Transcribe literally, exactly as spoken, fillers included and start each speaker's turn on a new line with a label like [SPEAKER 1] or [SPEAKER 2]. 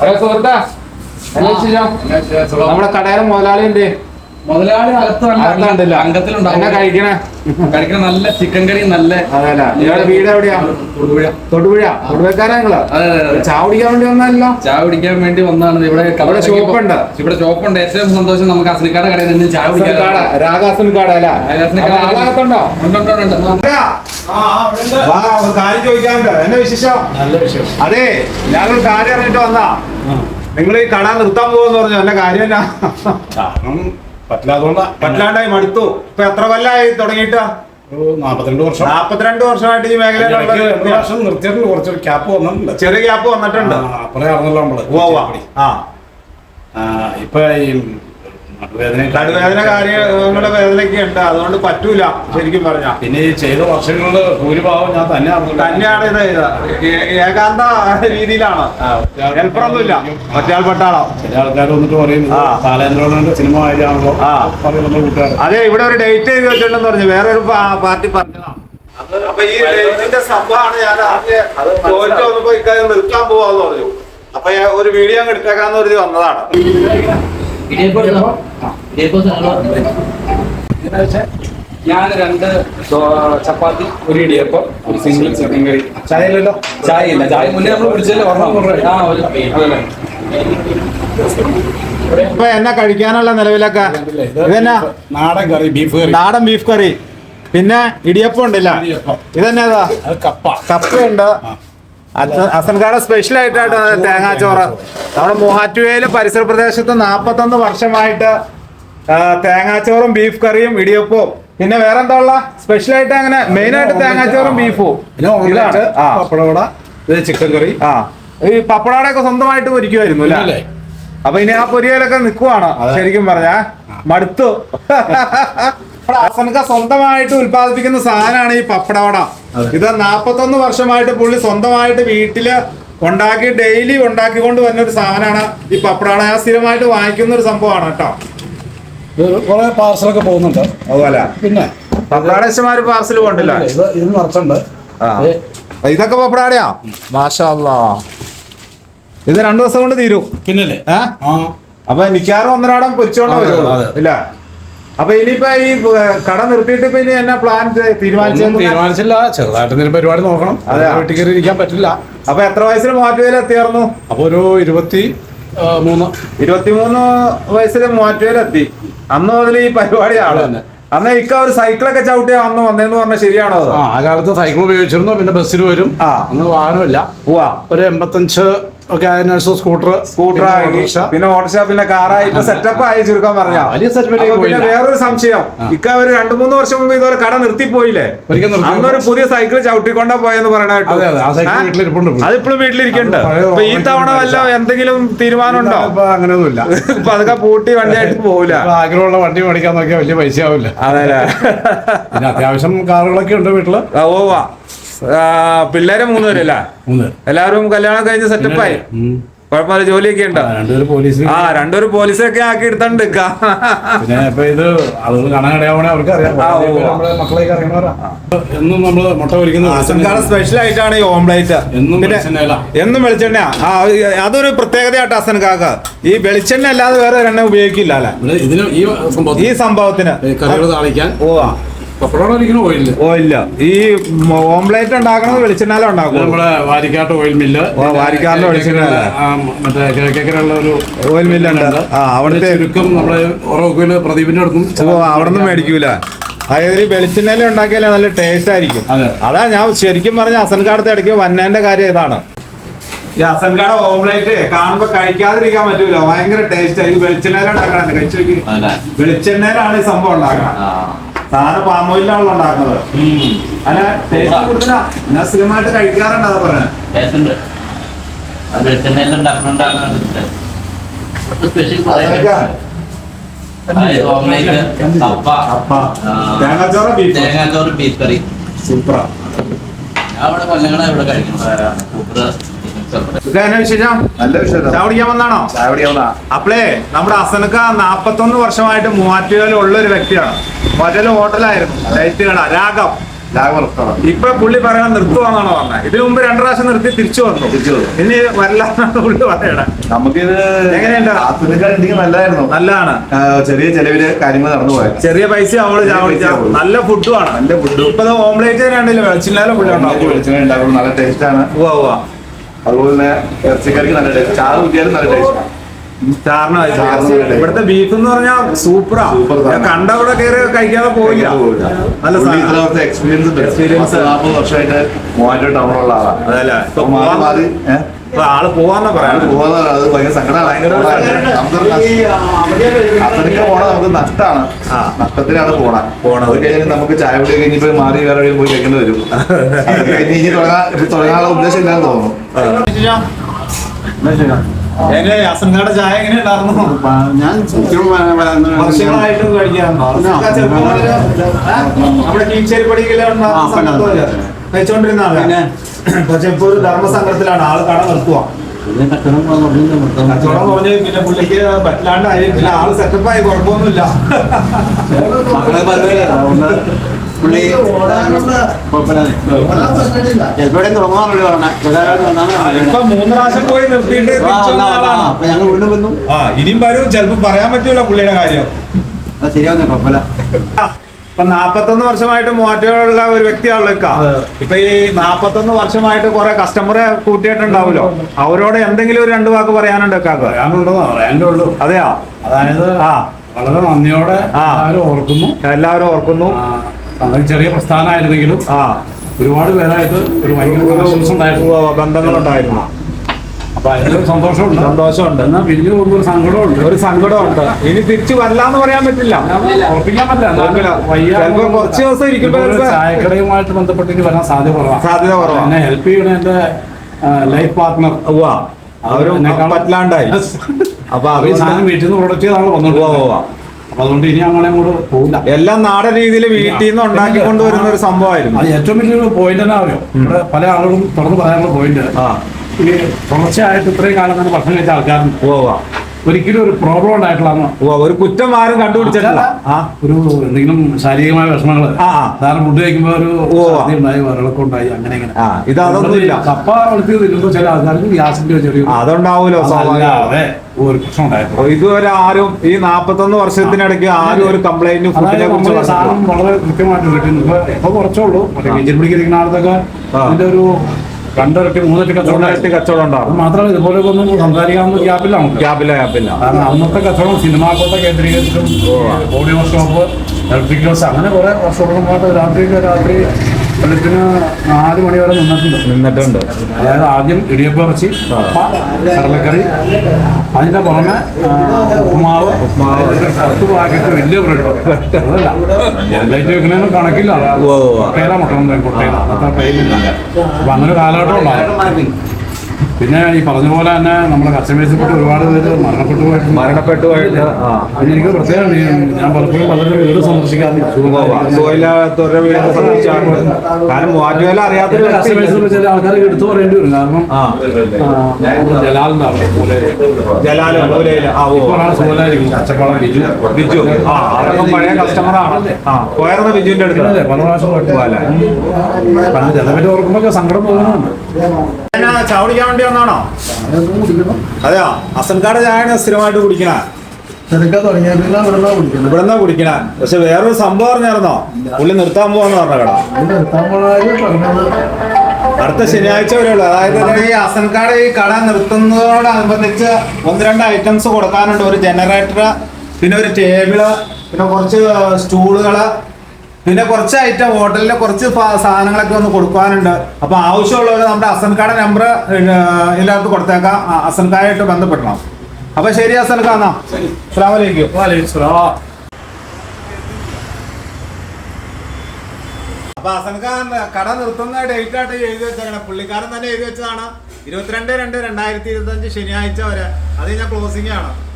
[SPEAKER 1] Hello സുഹൃത്താ, നമ്മുടെ കടയുടെ മുതലാളി ഉണ്ട്.
[SPEAKER 2] മുതലാളി അകത്തുണ്ടല്ലോ, അംഗത്തിലുണ്ടാവും.
[SPEAKER 1] കഴിക്കണേ
[SPEAKER 2] കഴിക്കണ നല്ല ചിക്കൻ കറി. നല്ല
[SPEAKER 1] വീട് എവിടെയാ? തൊടുപുഴ. തൊടുപുഴ തൊടുപുഴക്കാരാ നിങ്ങള്? ചായ കുടിക്കാൻ വേണ്ടി വന്നല്ലോ?
[SPEAKER 2] ചായ കുടിക്കാൻ വേണ്ടി വന്നതാണ്. ഇവിടെ
[SPEAKER 1] ഷോപ്പുണ്ട്.
[SPEAKER 2] ഇവിടെ ഷോപ്പുണ്ട്. ഏറ്റവും സന്തോഷം നമുക്ക് അസനിക്കാട് കടയിൽ നിന്ന് ചായ കുടിക്കാൻ.
[SPEAKER 1] രാഗാസനിക്കാട് അല്ല? ആളകത്തുണ്ടോ? കാര്യം ചോദിക്കാനുണ്ട്. എന്നെ വിശേഷം? നല്ല വിശേഷം. അതെ, ഞാനൊരു കാര്യം അറിഞ്ഞിട്ട് വന്നാ. നിങ്ങൾ ഈ കട നിർത്താൻ പോകുമെന്ന് പറഞ്ഞു. എന്റെ കാര്യം
[SPEAKER 3] പറ്റില്ലാതുകൊണ്ടാ.
[SPEAKER 1] പറ്റില്ലാണ്ടായി മടുത്തു. ഇപ്പൊ എത്ര കൊല്ലായി തുടങ്ങിയിട്ട്?
[SPEAKER 3] നാപ്പത്തിരണ്ട് വർഷം.
[SPEAKER 1] നാപ്പത്തിരണ്ട് വർഷമായിട്ട് ഈ മേഖലയിൽ
[SPEAKER 3] നിർത്തിയിട്ടുണ്ട്. കുറച്ചൊരു ക്യാപ്പ് വന്നിട്ടുണ്ട്.
[SPEAKER 1] ചെറിയ ക്യാപ്പ് വന്നിട്ടുണ്ട്.
[SPEAKER 3] അപ്പറേ അറിഞ്ഞല്ലോ നമ്മള്. ആ ഇപ്പൊ ഈ
[SPEAKER 1] നടുവേദന കാര്യങ്ങളുടെ വേദനയൊക്കെ ഉണ്ട്. അതുകൊണ്ട് പറ്റൂല ശരിക്കും പറഞ്ഞ.
[SPEAKER 3] പിന്നെ ഈ ചെയ്ത വർഷങ്ങളില് ഭൂരിഭാഗം ഞാൻ തന്നെ
[SPEAKER 1] തന്നെയാണ് ഇത് ചെയ്തത്. ഏകാന്ത രീതിയിലാണ്. ഹെൽപ്പറൊന്നുമില്ല. മറ്റേയാൾ പെട്ടാളോ?
[SPEAKER 3] ചില ആൾക്കാർ വന്നിട്ട് പറയും ബാലേന്ദ്രന്റെ സിനിമ ആയാണല്ലോ കൂട്ടുകാർ.
[SPEAKER 1] അതെ, ഇവിടെ ഒരു ഡേറ്റ് ചെയ്ത് വെച്ചിട്ടുണ്ടെന്ന് പറഞ്ഞു. വേറൊരു പാർട്ടി പറഞ്ഞതാണ്. അപ്പൊ ഈ ഡേറ്റിന്റെ സംഭവമാണ് ഞാൻ ചോദിച്ചു വന്നപ്പോ ഇക്കാര്യം നിർത്താൻ പോവാന്ന് പറഞ്ഞു. അപ്പൊ ഒരു വീഡിയോ അങ്ങ് എടുത്തേക്കാന്ന് പറഞ്ഞ് വന്നതാണ്.
[SPEAKER 2] ഞാൻ രണ്ട് ചപ്പാത്തി, ഒരു ഇടിയപ്പം, ഒരു സിംഗിൾ ചിക്കൻ കറി.
[SPEAKER 3] ചായ ഇല്ലല്ലോ?
[SPEAKER 2] ചായ ഇല്ല. ചായ മുന്നേ നമ്മൾ കുടിച്ചല്ലേ പറഞ്ഞു.
[SPEAKER 1] ഇപ്പൊ എന്നാ കഴിക്കാനുള്ള നിലവിലൊക്കെ? ഇതെന്നാ?
[SPEAKER 3] നാടൻ കറി, ബീഫ് കറി.
[SPEAKER 1] നാടൻ ബീഫ് കറി. പിന്നെ ഇടിയപ്പം ഉണ്ടല്ല? ഇതെന്നാ?
[SPEAKER 3] കപ്പ.
[SPEAKER 1] കപ്പയുണ്ട്. അസൻകാട് സ്പെഷ്യൽ ആയിട്ടാണ് തേങ്ങാച്ചോറ്. നമ്മുടെ മൂവാറ്റുപുഴയിലെ പരിസര പ്രദേശത്ത് നാപ്പത്തൊന്ന് വർഷമായിട്ട് തേങ്ങാച്ചോറും ബീഫ് കറിയും ഇടിയപ്പവും. പിന്നെ വേറെ എന്താ ഉള്ള സ്പെഷ്യൽ ആയിട്ട്? അങ്ങനെ മെയിൻ ആയിട്ട് തേങ്ങാച്ചോറും ബീഫും.
[SPEAKER 3] പപ്പടവട, ചിക്കൻ കറി. ആ
[SPEAKER 1] ഈ പപ്പടവടയൊക്കെ സ്വന്തമായിട്ട് പൊരിക്കുമായിരുന്നു അല്ലേ? അപ്പൊ ഇനി ആ പൊരിയലൊക്കെ നിക്കുവാണ് ശരിക്കും പറഞ്ഞാ. മടുത്തു. അസൻക സ്വന്തമായിട്ട് ഉത്പാദിപ്പിക്കുന്ന സാധനമാണ് ഈ പപ്പടവട. ഇത് നാപ്പത്തൊന്ന് വർഷമായിട്ട് പുള്ളി സ്വന്തമായിട്ട് വീട്ടില് ഉണ്ടാക്കി ഡെയിലി ഉണ്ടാക്കിക്കൊണ്ട് വരുന്ന ഒരു സാധനമാണ് ഈ പപ്പടവട. ഞാൻ സ്ഥിരമായിട്ട് വാങ്ങിക്കുന്ന ഒരു സംഭവമാണ് കേട്ടോ.
[SPEAKER 3] കുറെ പാർസലൊക്കെ പോകുന്നുണ്ട്.
[SPEAKER 1] അതുപോലെ
[SPEAKER 3] പിന്നെ
[SPEAKER 1] പപ്പടാടേശന്മാര് പാർസൽ പോകണ്ടല്ലോ.
[SPEAKER 3] ഇത് നിറച്ചുണ്ട്.
[SPEAKER 1] ഇതൊക്കെ പപ്പടാടയാ? മാഷാ അല്ലാ. ഇത് രണ്ടു ദിവസം കൊണ്ട് തീരും.
[SPEAKER 3] പിന്നല്ലേ?
[SPEAKER 1] അപ്പൊ മിക്കവാറും ഒന്നരാടം പൊരിച്ചോണ്ട് വരുള്ളൂ ഇല്ല? അപ്പൊ ഇനിയിപ്പോ ഈ കട നിർത്തിയിട്ട് ഇപ്പൊ ഇനി എന്നാ പ്ലാൻ തീരുമാനിച്ചു?
[SPEAKER 3] തീരുമാനിച്ചില്ല. ചെറുതായിട്ട് എന്തെങ്കിലും പരിപാടി നോക്കണം. അതെ, വീട്ടിൽ കയറി ഇരിക്കാൻ പറ്റില്ല.
[SPEAKER 1] അപ്പൊ എത്ര വയസ്സിൽ മൂവാറ്റുപുഴയിൽ എത്തിയായിരുന്നു?
[SPEAKER 3] അപ്പൊ ഒരു ഇരുപത്തി മൂന്ന്
[SPEAKER 1] ഇരുപത്തിമൂന്ന് വയസ്സിൽ മൂവാറ്റുപുഴയിൽ എത്തി. അന്ന് മുതൽ ഈ പരിപാടിയാണ്. അന്ന് ഇക്ക ഒരു സൈക്കിളൊക്കെ ചവിട്ടിയാ അന്ന് വന്നേന്ന് പറഞ്ഞാൽ ശരിയാണോ?
[SPEAKER 3] ആ കാലത്ത് സൈക്കിൾ ഉപയോഗിച്ചിരുന്നു. പിന്നെ ബസ്സിൽ വരും. ആ അന്ന് വാഹനമില്ല. ഒരു എൺപത്തഞ്ച് ഒക്കെ അതിനനുസരിച്ച് സ്കൂട്ടർ
[SPEAKER 1] സ്കൂട്ടർ പിന്നെ ഓട്ടോറിക്ഷ പിന്നെ കാറായി ഇപ്പൊ സെറ്റപ്പ് ആയി ചുരുക്കം പറഞ്ഞാ. പിന്നെ വേറൊരു സംശയം, ഇക്ക ഒരു രണ്ടു മൂന്ന് വർഷം മുമ്പ് ഇതുപോലെ കട നിർത്തിപ്പോയില്ലേ? അന്നൊരു പുതിയ സൈക്കിൾ ചവിട്ടിക്കൊണ്ടാ പോയെന്ന് പറയണ കേട്ടോ. അതിപ്പോഴും വീട്ടിലിരിക്കുന്നുണ്ട്. അപ്പൊ ഈ തവണ വല്ല എന്തെങ്കിലും തീരുമാനം ഉണ്ടോ?
[SPEAKER 3] അങ്ങനെയൊന്നുമില്ല.
[SPEAKER 1] ഇപ്പൊ അതൊക്കെ പൂട്ടി വണ്ടിയായിട്ട് പോവില്ല.
[SPEAKER 3] ആഗ്രഹമുള്ള വണ്ടി മേടിക്കാൻ നോക്കിയാൽ വലിയ പൈസ ആവില്ല.
[SPEAKER 1] അതെ,
[SPEAKER 3] പിന്നെ അത്യാവശ്യം കാറുകളൊക്കെ ഉണ്ട് വീട്ടില്.
[SPEAKER 1] ഓ പിള്ളേരെ മൂന്നുപേരല്ല? എല്ലാവരും കല്യാണം കഴിഞ്ഞ് സെറ്റപ്പായി. കുഴപ്പമില്ല, ജോലിയൊക്കെ ഉണ്ട്. ആ രണ്ടൊരു പോലീസൊക്കെ ആക്കി എടുത്തോണ്ട്
[SPEAKER 3] ഇത് ആളുകൾ കാണാൻ ഇടയാവണേ അവർക്ക് അറിയാം. മക്കളെയൊക്കെ അറിയണവരാ. എന്നും നമ്മള് മുട്ട പൊരിക്കുന്നത്
[SPEAKER 1] സ്പെഷ്യൽ ആയിട്ടാണ് ഈ ഓംപ്ലേറ്റ്. എന്നും വെളിച്ചെണ്ണ. ആ അതൊരു പ്രത്യേകതയായിട്ട് അസൻകാക്ക്. ഈ വെളിച്ചെണ്ണ അല്ലാതെ വേറെ എണ്ണ ഉപയോഗിക്കില്ല അല്ലെ ഈ സംഭവത്തിന്? ഓ ഓയില്ല. ഈ ഓംപ്ലേറ്റ് ഉണ്ടാക്കണത് വെളിച്ചെണ്ണാലും ഉണ്ടാക്കും.
[SPEAKER 3] നമ്മുടെ വാരിക്കാട്ട് ഓയിൽ മില്ല്.
[SPEAKER 1] വാരിക്കാറിന്റെ വെളിച്ചെണ്ണ
[SPEAKER 3] മറ്റേ കിഴക്കേക്കരയുള്ള ഒരു
[SPEAKER 1] ഓയിൽ മില്ലുണ്ട്. ആ അവിടുത്തെ
[SPEAKER 3] നമ്മുടെ ഉറവൂല് പ്രദീപിന്റെ അടുത്തും.
[SPEAKER 1] ഓ അവിടെ നിന്ന് മേടിക്കൂല. അതായത് ഈ വെളിച്ചെണ്ണയിൽ ഉണ്ടാക്കിയാലേ നല്ല ടേസ്റ്റ് ആയിരിക്കും. അതാ ഞാൻ ശരിക്കും പറഞ്ഞ അസൻകാടത്തെ ഇടയ്ക്ക് വന്നതിന്റെ കാര്യം ഇതാണ്. ഈ അസൻകാട ഓംപ്ലേറ്റ് കാണുമ്പോ കഴിക്കാതിരിക്കാൻ പറ്റൂല. ഭയങ്കര ടേസ്റ്റ് ആയി. വെളിച്ചെണ്ണയിലുണ്ടാക്കണം. കഴിച്ചു നോക്കി. വെളിച്ചെണ്ണയിലാണ് ഈ സംഭവം ഉണ്ടാക്കണം. സാധനം പാമോയിലാണല്ലോ ഉണ്ടാക്കുന്നത്. അല്ല ടേസ്റ്റ് കൂടുതലാ. ഞാൻ സ്ഥിരമായിട്ട് കഴിക്കാറുണ്ട്. അതാ പറഞ്ഞത്.
[SPEAKER 2] തേങ്ങാച്ചോറ് ബീഫ് കറി
[SPEAKER 1] സൂപ്പറാ. വിശേഷം? നല്ല വിശേഷം. ചായ കുടിക്കാൻ വന്നാണോ? ചായ കുടിക്കാൻ വന്നാ. അപ്പളേ നമ്മുടെ അസനക്ക നാപ്പത്തൊന്ന് വർഷമായിട്ട് മൂവാറ്റുപുഴയിൽ ഉള്ള ഒരു വ്യക്തിയാണ്. മൂവാറ്റുപുഴ ഹോട്ടലായിരുന്നു. ലൈറ്റ് കട രാഗം. ഇപ്പൊ പുള്ളി പറയണ നിർത്തുവാന്നാണോ പറഞ്ഞത്? ഇതിനു മുമ്പ് രണ്ടു പ്രാവശ്യം നിർത്തി തിരിച്ചു വന്നു. ഇനി വരില്ലാന്നാണ് പുള്ളി പറയണേ.
[SPEAKER 4] നമുക്കിത്
[SPEAKER 1] എങ്ങനെയുണ്ട്?
[SPEAKER 4] ആസ്വദിക്കാൻ നല്ലതായിരുന്നു.
[SPEAKER 1] നല്ലതാണ്.
[SPEAKER 4] ചെറിയ ചെലവില് കാര്യങ്ങൾ നടന്നു പോയത്.
[SPEAKER 1] ചെറിയ പൈസ അവള് നല്ല ഫുഡും ആണ്. നല്ല ഫുഡ്. ഇപ്പൊ ഓംലേറ്റ് രണ്ടില്ല വെളിച്ചില്ലാലും പുള്ളി ഉണ്ടാവും.
[SPEAKER 4] വെളിച്ചെണ്ണ ഉണ്ടാക്കും. നല്ല ടേസ്റ്റ് ആണ്.
[SPEAKER 1] ഉവ്വ ഉവ്വ.
[SPEAKER 4] അതുപോലെ തന്നെ ഇറച്ചിക്കറിക്ക് നല്ല ടേസ്റ്റ്. ചാറ് കുട്ടിയാലും നല്ല ടേസ്റ്റ്.
[SPEAKER 1] ചാറിന് ഇവിടുത്തെ ബീഫ് എന്ന് പറഞ്ഞാൽ സൂപ്പറാ. കണ്ട അവിടെ കയറി കഴിക്കാതെ പോയില്ല. നല്ല
[SPEAKER 4] എക്സ്പീരിയൻസ് എക്സ്പീരിയൻസ് നാൽപ്പത് വർഷമായിട്ട് മൂവായിരം ടൗണുള്ള ആളാണ്.
[SPEAKER 1] അതല്ലേ
[SPEAKER 4] ഇപ്പൊ
[SPEAKER 1] ആള് പോവാന്നാ പറയാ.
[SPEAKER 4] പോവാന്ന് അത് ഭയങ്കര സങ്കടമാണ്. അത്രയ്ക്ക് പോണ നമുക്ക് നഷ്ടമാണ്. നഷ്ടത്തിലാണ് പോണ പോണത് കഴിഞ്ഞാൽ നമുക്ക് ചായ കുടി കഴിഞ്ഞിപ്പോ മാറി വേറെ എവിടെയും പോയി കഴിക്കേണ്ടി വരും. കഴിഞ്ഞ് ഇനി തുടങ്ങാൻ തുടങ്ങാനുള്ള ഉദ്ദേശം ഇല്ലാന്ന് തോന്നുന്നു.
[SPEAKER 1] എങ്ങനെ അസൻകാരുടെ ചായ എങ്ങനെ ഉണ്ടായിരുന്നു?
[SPEAKER 3] ഞാൻ
[SPEAKER 1] വർഷങ്ങളായിട്ട് കഴിക്കാറുണ്ടോ? നമ്മുടെ കീച്ചേരി പടിയിലുള്ള കഴിച്ചോണ്ടിരുന്ന ആളാണ്. പക്ഷെ ഇപ്പൊ ഒരു ധർമ്മസംഘത്തിലാണ് ആള് കട നിർത്തുക. കച്ചവടം കുറഞ്ഞ് പിന്നെ പുള്ളിക്ക് പറ്റില്ലാണ്ടായി. പിന്നെ ആള് സെറ്റപ്പായി, കുഴപ്പമൊന്നുമില്ല.
[SPEAKER 3] പുള്ളി
[SPEAKER 1] ഇപ്പൊ മൂന്ന് പ്രാവശ്യം പോയി നിർത്തിയിട്ട്
[SPEAKER 3] ഞങ്ങൾ വീണ്ടും വന്നു.
[SPEAKER 1] ആ ഇനിയും വരും. ചിലപ്പോ പറയാൻ പറ്റൂല പുള്ളിയുടെ കാര്യം.
[SPEAKER 3] ശരിയാവുന്ന കുഴപ്പമില്ല.
[SPEAKER 1] ഇപ്പൊ നാപ്പത്തൊന്ന് വർഷമായിട്ട് മൂവാറ്റുള്ള ഒരു വ്യക്തിയാണല്ലോ ഇക്ക. ഇപ്പൊ ഈ നാപ്പത്തൊന്ന് വർഷമായിട്ട് കുറെ കസ്റ്റമറെ കൂട്ടിയിട്ടുണ്ടാവുമല്ലോ. അവരോട് എന്തെങ്കിലും ഒരു രണ്ടു വാക്ക് പറയാനുണ്ട് ഇക്കാക്ക്?
[SPEAKER 3] പറയാനുണ്ടോ? പറയാനേ ഉള്ളൂ.
[SPEAKER 1] അതെയാ?
[SPEAKER 3] അതായത്
[SPEAKER 1] ആ
[SPEAKER 3] വളരെ നന്ദിയോടെ എല്ലാവരും ഓർക്കുന്നു.
[SPEAKER 1] എല്ലാവരും ഓർക്കുന്നു.
[SPEAKER 3] ചെറിയ പ്രസ്ഥാനമായിരുന്നെങ്കിലും
[SPEAKER 1] ആ
[SPEAKER 3] ഒരുപാട് പേരായിട്ട് ഒരു ഭയങ്കര
[SPEAKER 1] ബന്ധങ്ങളുണ്ടായിരുന്നു.
[SPEAKER 3] അപ്പൊ അതിലൊരു സന്തോഷമുണ്ട്.
[SPEAKER 1] സന്തോഷമുണ്ട്.
[SPEAKER 3] എന്നാൽ പിരിഞ്ഞു പോകുമ്പോൾ ഒരു സങ്കടമുണ്ട്.
[SPEAKER 1] ഒരു സങ്കടമുണ്ട്. ഇനി തിരിച്ചു വരില്ലാന്ന് പറയാൻ പറ്റില്ല,
[SPEAKER 3] ഉറപ്പിക്കാൻ പറ്റില്ല.
[SPEAKER 1] ചിലപ്പോ കുറച്ച് ദിവസം ഇരിക്കുമ്പോൾ
[SPEAKER 3] ചായക്കടയുമായിട്ട് ബന്ധപ്പെട്ട് ഇനി വരാൻ സാധ്യത കുറവാണ്.
[SPEAKER 1] സാധ്യത കുറവാണ്.
[SPEAKER 3] എന്നെ ഹെൽപ്പ് ചെയ്യണ എന്റെ ലൈഫ് പാർട്ട്ണർ
[SPEAKER 1] അവരും പറ്റില്ലാണ്ടായി. അപ്പൊ
[SPEAKER 3] അവർ സാധനം വീട്ടിൽ നിന്ന് പ്രൊഡക്റ്റ് ചെയ്താണ് വന്നോട്ട് പോവാ. അപ്പൊ അതുകൊണ്ട് ഇനി അങ്ങനെ അങ്ങോട്ട് പോകില്ല.
[SPEAKER 1] എല്ലാം നാടൻ രീതിയിൽ വീട്ടിൽ നിന്ന് ഉണ്ടാക്കി കൊണ്ടുവരുന്ന ഒരു സംഭവമായിരുന്നു.
[SPEAKER 3] അത് ഏറ്റവും വലിയൊരു പോയിന്റ് തന്നെ അറിയോ? ഇവിടെ പല ആളുകളും തുറന്ന് പറയാനുള്ള പോയിന്റ് ഈ തുടർച്ചയായിട്ട് ഇത്രയും കാലം തന്നെ ഭക്ഷണം കഴിച്ച ആൾക്കാരുണ്ട്. പോവാ ഒരിക്കലും ഒരു പ്രോബ്ലം ഉണ്ടായിട്ടുള്ള
[SPEAKER 1] ഒരു കുറ്റം ആരും കണ്ടുപിടിച്ചിട്ടില്ല.
[SPEAKER 3] ഒരു എന്തെങ്കിലും ശാരീരികമായ വിഷമങ്ങള് സാധാരണ ഫുഡ് കഴിക്കുമ്പോ ഒരു ഉണ്ടായി, വരളൊക്കെ ഉണ്ടായി, അങ്ങനെ ഇങ്ങനെ.
[SPEAKER 1] ഇത് അതൊന്നുമില്ല.
[SPEAKER 3] കപ്പ വളർത്തി തിന്നുമ്പോ ചില ആൾക്കാർക്ക് ഗ്യാസിന്റെ ചെറിയ
[SPEAKER 1] അതുണ്ടാവൂലോ.
[SPEAKER 3] അതെ ഒരു പ്രശ്നം ഉണ്ടായിരുന്നു.
[SPEAKER 1] ഇതുവരെ ആരും ഈ നാപ്പത്തൊന്ന് വർഷത്തിനിടയ്ക്ക് ആരും ഒരു കംപ്ലൈന്റ് ഫുഡിനെ കുറിച്ച്
[SPEAKER 3] സാധനം വളരെ കൃത്യമായിട്ട് കിട്ടുന്നു. ഇപ്പൊ ഇപ്പൊ കുറച്ചുള്ളൂ. മറ്റേ മീഞ്ചൽ പിടിക്കുന്ന ആളത്തൊക്കെ ഇതിന്റെ ഒരു രണ്ടിരട്ടി മൂന്നിരട്ടി കച്ചവടം കച്ചവടം ഉണ്ടാവും. അത് മാത്രമല്ല ഇതുപോലെ ഒന്നും സംസാരിക്കാവുന്ന ഗ്യാപ്പിലാണ്. ഗ്യാപ്പില്ല ഗ്യാപ്പില്ല കാരണം അന്നത്തെ കച്ചവടം സിനിമാക്കോട്ടെ കേന്ദ്രീകരിച്ചിട്ടും ഓഡിയോ ഷോപ്പ്, ഇലക്ട്രിക് ഹൗസ്, അങ്ങനെ കുറെ വർഷോളുമായിട്ട് രാത്രി രാത്രി വെളുപ്പിന് നാല് മണി വരെ നിന്നിട്ടുണ്ട് നിന്നിട്ടുണ്ട് അതായത് ആദ്യം ഇടിയപ്പം ഇറച്ചി, കപ്പ, കടലക്കറി, അതിന്റെ പുറമെ ഉപ്പുമാവ്, ഉപ്പുമാവ് പത്ത് പാക്കറ്റ് വലിയ ബ്രെഡ്. അതല്ല ലൈറ്റ് വെക്കുന്നതിന് കണക്കില്ല. കൊട്ടയില മുട്ടണം, കൊട്ടയില അത്ര ടൈമില്ല. അപ്പൊ അങ്ങനെ കാലഘട്ടം ഉണ്ടാകും. പിന്നെ ഈ പറഞ്ഞ പോലെ തന്നെ നമ്മുടെ കസ്റ്റമേഴ്സിൽപ്പെട്ട് ഒരുപാട് പേര് മരണപ്പെട്ടു പോയിട്ട് മരണപ്പെട്ടു പോയിട്ട് എനിക്ക് പ്രത്യേകം ഞാൻ പലപ്പോഴും പലരും വീട് സന്ദർശിക്കാറുണ്ട്. കാരണം മൂവാറ്റുവേല അറിയാത്ത കസ്റ്റമേഴ്സിൽ ചില ആൾക്കാർ എടുത്തു പറയേണ്ടി വരും. കാരണം ജലാലുണ്ടാവും, കച്ചപ്പാടം ബിജു ബിജു പഴയ കസ്റ്റമറാണ്. പോയായിരുന്ന ബിജുവിന്റെ അടുത്ത് പല പ്രാവശ്യം പണ്ട് ചിലവരെ ഓർക്കുമ്പോൾ സങ്കടം തോന്നുന്നുണ്ട്. ചാവടിക്കാൻ വേണ്ടി വന്നാണോ? അതെയോ? അസൻകാട് ചായയാണ് സ്ഥിരമായിട്ട് കുടിക്കണ? ഇവിടെന്നാ കുടിക്കണ. പക്ഷെ വേറൊരു സംഭവം അറിഞ്ഞായിരുന്നോ? പുള്ളി നിർത്താൻ പോവാന്ന് പറഞ്ഞ കട അടുത്ത ശനിയാഴ്ച വരെയുള്ളൂ. അതായത് ഈ അസൻകാട് ഈ കട നിർത്തുന്നതോടനുബന്ധിച്ച് ഒന്ന് രണ്ട് ഐറ്റംസ് കൊടുക്കാനുണ്ട്. ഒരു ജനറേറ്റർ, പിന്നെ ഒരു ടേബിള്, പിന്നെ കുറച്ച് സ്റ്റൂളുകള്, പിന്നെ കുറച്ച് ഐറ്റം ഹോട്ടലിലെ കുറച്ച് സാധനങ്ങളൊക്കെ ഒന്ന് കൊടുക്കാനുണ്ട്. അപ്പൊ ആവശ്യമുള്ളവർ നമ്മുടെ അസൻകാട് നമ്പർ ഇതിൻ്റെ അകത്ത് കൊടുത്തേക്കാം. അസൻകായായിട്ട് ബന്ധപ്പെടണം. അപ്പൊ ശരി അസൻകാ, എന്നാ അസ്സലാമു അലൈക്കും. അപ്പൊ അസൻഖാൻ കട നിർത്തുന്ന ഡേറ്റ് ആയിട്ട് എഴുതി വെച്ചേക്കണം. പുള്ളിക്കാരൻ തന്നെ എഴുതി വെച്ചതാണ് ഇരുപത്തിരണ്ട് രണ്ട് രണ്ടായിരത്തി ഇരുപത്തി അഞ്ച് ശനിയാഴ്ച വരെ. അത് കഴിഞ്ഞാൽ ക്ലോസിംഗ് ആണ്.